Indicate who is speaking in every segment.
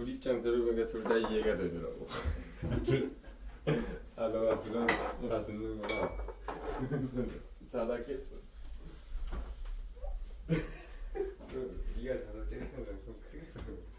Speaker 1: 둘 입장 들어보니까 둘 다 이해가 되더라고. 아 너가 부담 다 듣는구나. 자다 깼어. 네가 자다 깨는 건 좀 크겠어.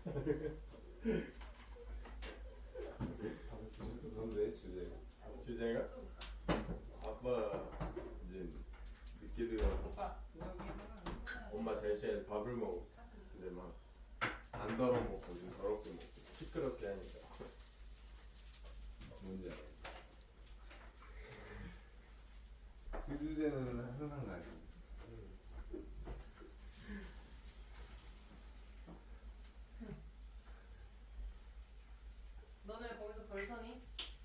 Speaker 1: 뭔데 주제가? 주제가? 아빠 이제 늦게 들어와서 엄마 대신에 밥을 먹어. 근데 막 안 덜어 먹고 좀 더럽게 먹고 시끄럽게 하니까. 뭔지 알아? 그 주제는 항상 가지.
Speaker 2: 너네 거기서 벌서니?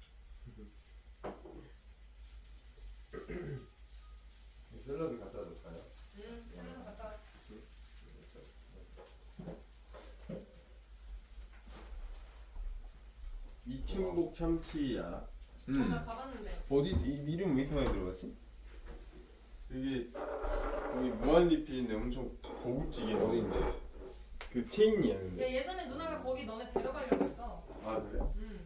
Speaker 1: 샐러드 갖다 줄까요?
Speaker 2: 응, 샐러드 갔다 와.
Speaker 1: 이충복 참치 알아?
Speaker 2: 나 가봤는데.
Speaker 3: 어디 이름 왜 이렇게 많이 들어갔지?
Speaker 1: 여기 거기 무한리필인데 엄청 고급지게
Speaker 3: 어디인데?
Speaker 1: 그 체인이야
Speaker 2: 야,
Speaker 1: 근데.
Speaker 2: 예전에 누나가 거기 너네 데려가려고 했어.
Speaker 1: 아 그래?
Speaker 2: 응,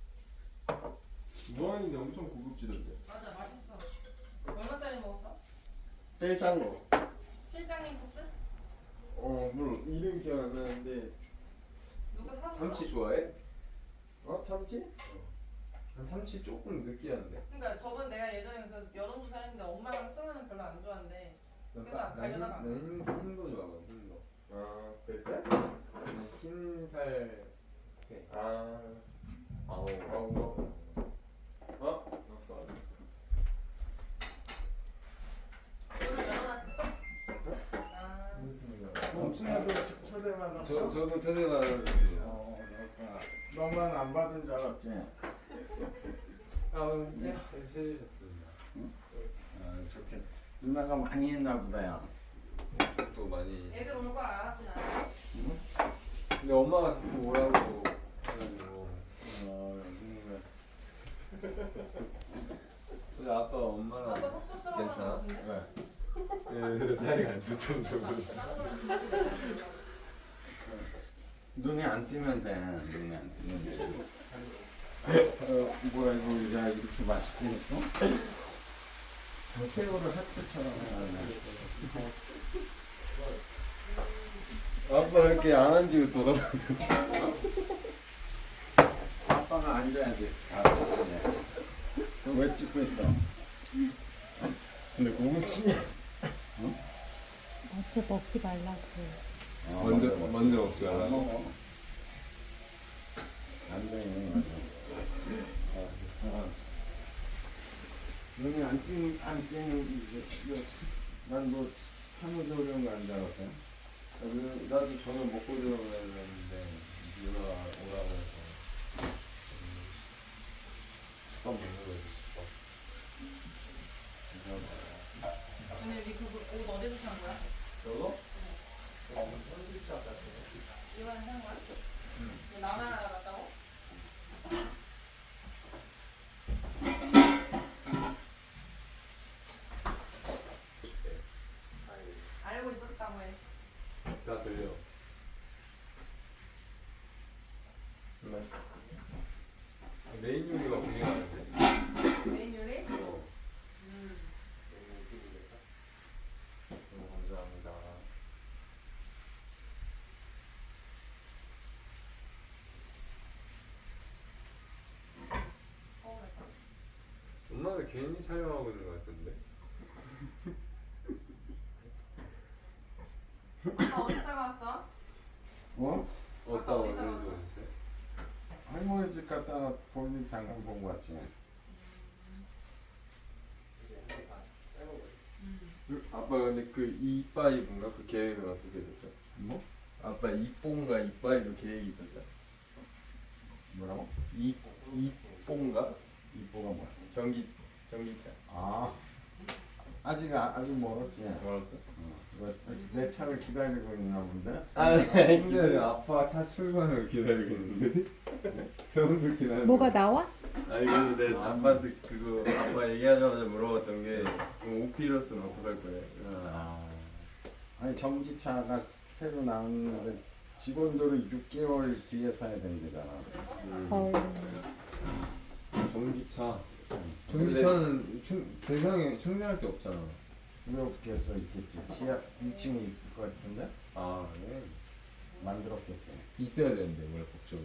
Speaker 1: 무한인데 엄청 고급지던데.
Speaker 2: 맞아, 맛있어. 얼마짜리 먹었어?
Speaker 1: 제일 싼 거.
Speaker 2: 실장님 코스?
Speaker 1: 물론 이름 기억 안 나는데.
Speaker 2: 누가 사줬어?
Speaker 3: 참치 좋아해?
Speaker 1: 참치? 난 참치 조금 느끼한데.
Speaker 2: 그러니까 저번 내가 예전에 그래서 여론조사 했는데 엄마랑 승아는 별로 안 좋아한대. 그래서 안 가려다가.
Speaker 3: 흰거 좋아하거든. 흰거.
Speaker 1: 아 뱃살?
Speaker 3: 흰살.
Speaker 1: 아우 아빠.
Speaker 2: 오늘 열어놨었어? 아,
Speaker 4: 엄청나게 초대받았어?
Speaker 3: 저도 전에 말했어요.
Speaker 4: 그렇구나. 너만 안 받은 줄 알았지?
Speaker 3: 해주셨습니다.
Speaker 4: 좋게. 누나가 많이 했나 보다요.
Speaker 3: 또 많이.
Speaker 2: 애들 올 거 알았지 나.
Speaker 3: 근데 엄마가 자꾸 오라고 해가지고. 근데 아빠 엄마랑
Speaker 2: 아빠 속초스러워.
Speaker 3: 괜찮아?
Speaker 2: 같은데?
Speaker 3: 네, 사이가 안 좋던데.
Speaker 4: 눈에 안 띄면 돼. 눈에 안 띄면 돼. 뭐야 이거 야 이렇게 맛있게 했어? 새우를 하트처럼 해놨네.
Speaker 1: 아빠 이렇게 안 앉고 돌아가.
Speaker 4: 아빠가 앉아야지. 앉아야 왜 찍고 있어?
Speaker 1: 근데 고급지냐?
Speaker 5: 어째 먹지 말라고.
Speaker 3: 먼저 먹지 말라고.
Speaker 4: 먹어. 안 돼. 눈이 안 찌는 난뭐 산후조리원 간줄 알았어.
Speaker 3: 나도 저녁 먹고 들어가야 되는데 누나 오라고 해서 집밥 먹는 거지 집밥.
Speaker 2: 근데 네 그옷 어디서 산 거야?
Speaker 3: 저거? 편집샵 같은 거.
Speaker 2: 이번에 산 거야? 응. 나만 알아봤다고? 알고 있었다고 해.
Speaker 3: 다 들려. 메인 요리가 궁금한데.
Speaker 2: 메인 요리?
Speaker 3: 너무 감사합니다.
Speaker 2: 서울에서.
Speaker 3: 엄마가 괜히 촬영하고 있는 것 같은데.
Speaker 2: 아빠 어디다가 왔어?
Speaker 4: 어?
Speaker 3: 어디다
Speaker 2: 어디다
Speaker 3: 어디서
Speaker 2: 왔어?
Speaker 3: 오셨어요?
Speaker 4: 할머니 집 갔다가 본인 잠깐 보고 왔지.
Speaker 1: 아빠 근데 그 이빠이브인가 그 계획은 어떻게 됐죠?
Speaker 4: 뭐?
Speaker 1: 아빠 이뽕가 이빠이브 계획이 있었죠?
Speaker 4: 뭐라고?
Speaker 1: 이뽕가?
Speaker 4: 이뻐가 뭐야?
Speaker 1: 전기차.
Speaker 4: 아직 멀었지.
Speaker 1: 멀었어?
Speaker 4: 내 차를 기다리고 있나 본데.
Speaker 1: 근데 아빠 차 출발을 기다리고 있는데. 저분도 기다려.
Speaker 5: 뭐가 나와?
Speaker 1: 아니 그래서 내 아빠한테 그거 아빠 얘기하자마자 물어봤던 게 그럼 오피러스는 어떡할 거예요?
Speaker 4: 아니 전기차가 새로 나왔는데 직원들은 6개월 뒤에 사야 된대잖아.
Speaker 5: 헐.
Speaker 3: 전기차. 전기차는 대상에 충전할 게 없잖아.
Speaker 4: 이렇게 써 있겠지. 지하 2층에 있을 것 같은데
Speaker 3: 아, 네.
Speaker 4: 만들었겠지.
Speaker 3: 있어야 되는데 왜 법적으로.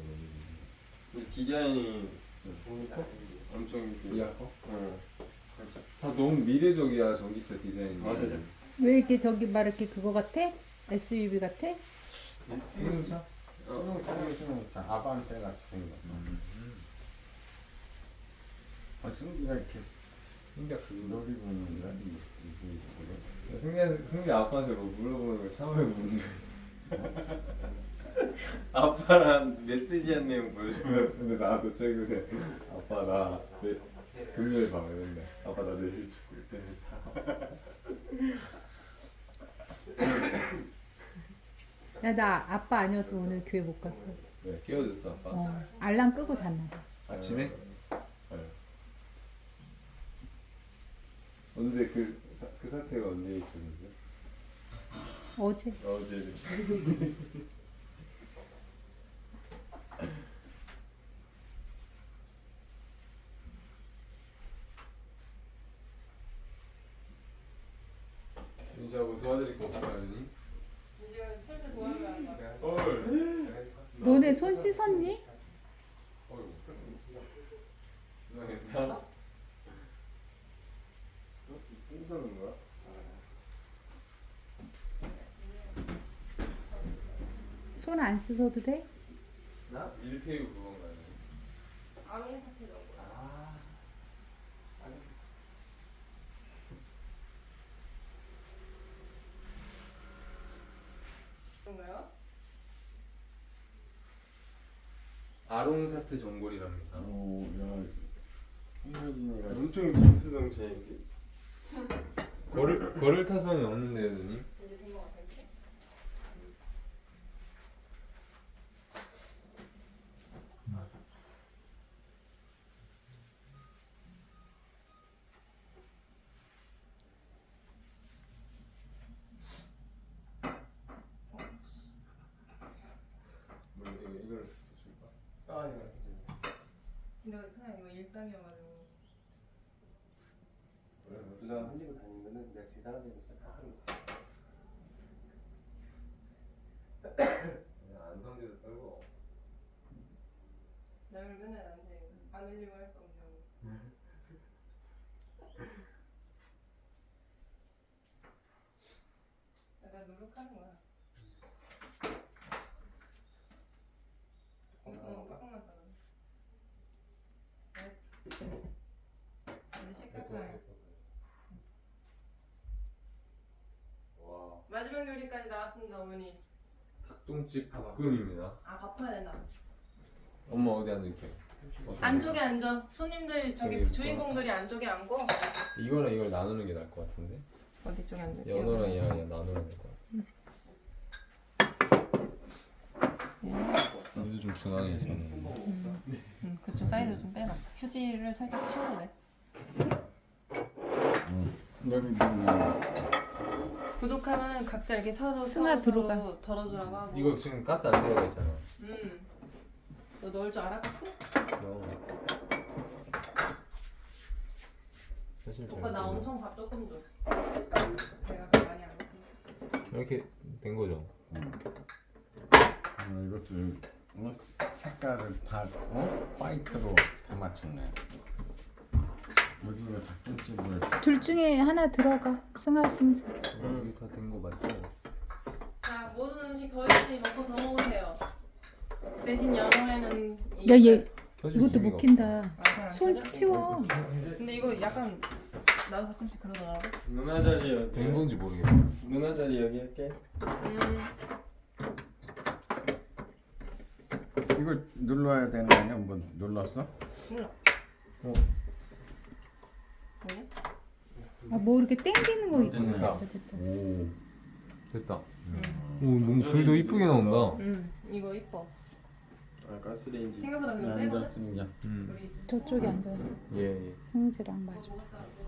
Speaker 1: 디자인이 엄청
Speaker 3: 이해할 거?
Speaker 1: 응.
Speaker 3: 다 너무 미래적이야 전기차 디자인이.
Speaker 1: 맞아.
Speaker 5: 왜 이렇게 저기 막 이렇게 그거 같아? SUV 같아?
Speaker 3: 승용차?
Speaker 4: 승용차 아반떼 같이 생겼어. 승기가 이렇게
Speaker 3: 승기야 그
Speaker 4: 놀이공원인가?
Speaker 3: 승기 아빠한테 뭐 물어보는 거 참아야 묻는 거야.
Speaker 1: 아빠랑 메시지 한 내용 보여주면
Speaker 3: 근데 나도 최근에 아빠 나 금요일 밤에 근데 아빠 나 내일 죽을 때는
Speaker 5: 야, 나 아빠 아니어서 오늘 교회 못 갔어.
Speaker 3: 왜 깨워줬어 아빠?
Speaker 5: 알람 끄고 잤나 봐.
Speaker 3: 아침에? 언제 그 사태가 언제 있었는데?
Speaker 5: 어제.
Speaker 1: 어제
Speaker 3: 진짜 뭐 도와드릴 거 없어요, 언니?
Speaker 2: 이제 슬슬 보여줘야 한다.
Speaker 1: 헐.
Speaker 5: 너네 손 씻었니?
Speaker 3: 누나 괜찮아?
Speaker 1: 똥 거야?
Speaker 5: 손 안 씻어도 돼?
Speaker 3: 나? 밀푀유 그건가요?
Speaker 2: 아무 사태 정도. 그런가요?
Speaker 3: 아롱사태 전골이랍니다.
Speaker 4: 오, 야, 홍효진이가
Speaker 1: 엄청 빈스성체인데.
Speaker 3: 걸을 타선이 없는데요, 누님?
Speaker 2: 이제 된 것 같아요.
Speaker 3: 뭐 이걸 줄까?
Speaker 1: 아, 이거 괜찮아.
Speaker 2: 근데 선생님 이거 일상이어가지고.
Speaker 1: 부산 흘리고 다니면은 내가 제일 다른 데서 다 하는 거야.
Speaker 3: 그냥 안성재도 떨고.
Speaker 2: 나 이걸 맨날 나한테 안 흘리고 할 수 없냐고. 약간 노력하는 거야. 조금만 더. 됐어. 이제 식사 타임.
Speaker 3: 와,
Speaker 2: 마지막 요리까지 나왔습니다, 어머니.
Speaker 3: 닭똥집 볶음입니다.
Speaker 2: 아, 바빠야 된다.
Speaker 3: 엄마 어디 앉을게?
Speaker 2: 안쪽에 앉아. 손님들 저기
Speaker 3: 저기
Speaker 2: 주인공들이 안쪽에 앉고.
Speaker 3: 이거랑 이걸 나누는 게 나을 것 같은데?
Speaker 2: 어디 쪽에 앉을게요?
Speaker 3: 연어랑 얘랑 나누면 될 것 같아. 얘도 좀 중앙에 있었는데.
Speaker 2: 그쪽 사이드 좀 빼놔. 휴지를 살짝 치워도 돼.
Speaker 4: 여기 누나
Speaker 2: 부족하면 각자 이렇게 서로
Speaker 5: 승아, 들어가.
Speaker 2: 덜어주라고 하고.
Speaker 3: 이거 지금 가스 안 들어가 있잖아.
Speaker 2: 너 넣을 줄 알았겠어?
Speaker 3: 사실 잘
Speaker 2: 오빠 나
Speaker 3: 모르겠어.
Speaker 2: 엄청 밥 조금 줘. 내가 밥 많이 안 먹으니까.
Speaker 3: 이렇게 된 거죠.
Speaker 4: 이것도 색깔을 다 화이트로 다 맞췄네. 여기가 닭똥집을
Speaker 5: 둘 중에 하나 들어가. 승아, 승수.
Speaker 3: 여기 다 된 거 맞죠?
Speaker 2: 자, 모든 음식 더 있으니 먹고 더 먹으세요. 대신 연어에는
Speaker 5: 야, 얘
Speaker 3: 켜줄
Speaker 5: 이것도
Speaker 3: 기미가
Speaker 5: 못 킨다.
Speaker 2: 아, 그냥
Speaker 5: 손
Speaker 2: 켜져?
Speaker 5: 치워.
Speaker 2: 근데 이거 약간 나도 가끔씩 그러더라고.
Speaker 1: 누나 자리 여기.
Speaker 3: 된 건지 모르겠어.
Speaker 1: 누나 자리 여기 할게.
Speaker 4: 이거 눌러야 되는 거 아니야? 한번 눌렀어?
Speaker 2: 몰라.
Speaker 3: 어.
Speaker 2: 뭐냐?
Speaker 5: 아, 뭐 이렇게 땡기는 거 있다.
Speaker 3: 됐다.
Speaker 5: 됐다.
Speaker 4: 오,
Speaker 3: 됐다. 오, 너무 불도 이쁘게 나온다.
Speaker 2: 이거 이뻐.
Speaker 1: 아, 가스레인지.
Speaker 2: 생각보다 그냥 세거든?
Speaker 4: 앉았습니다.
Speaker 2: 우리
Speaker 5: 저쪽에 앉아.
Speaker 3: 예, 예.
Speaker 5: 승지랑 맞아.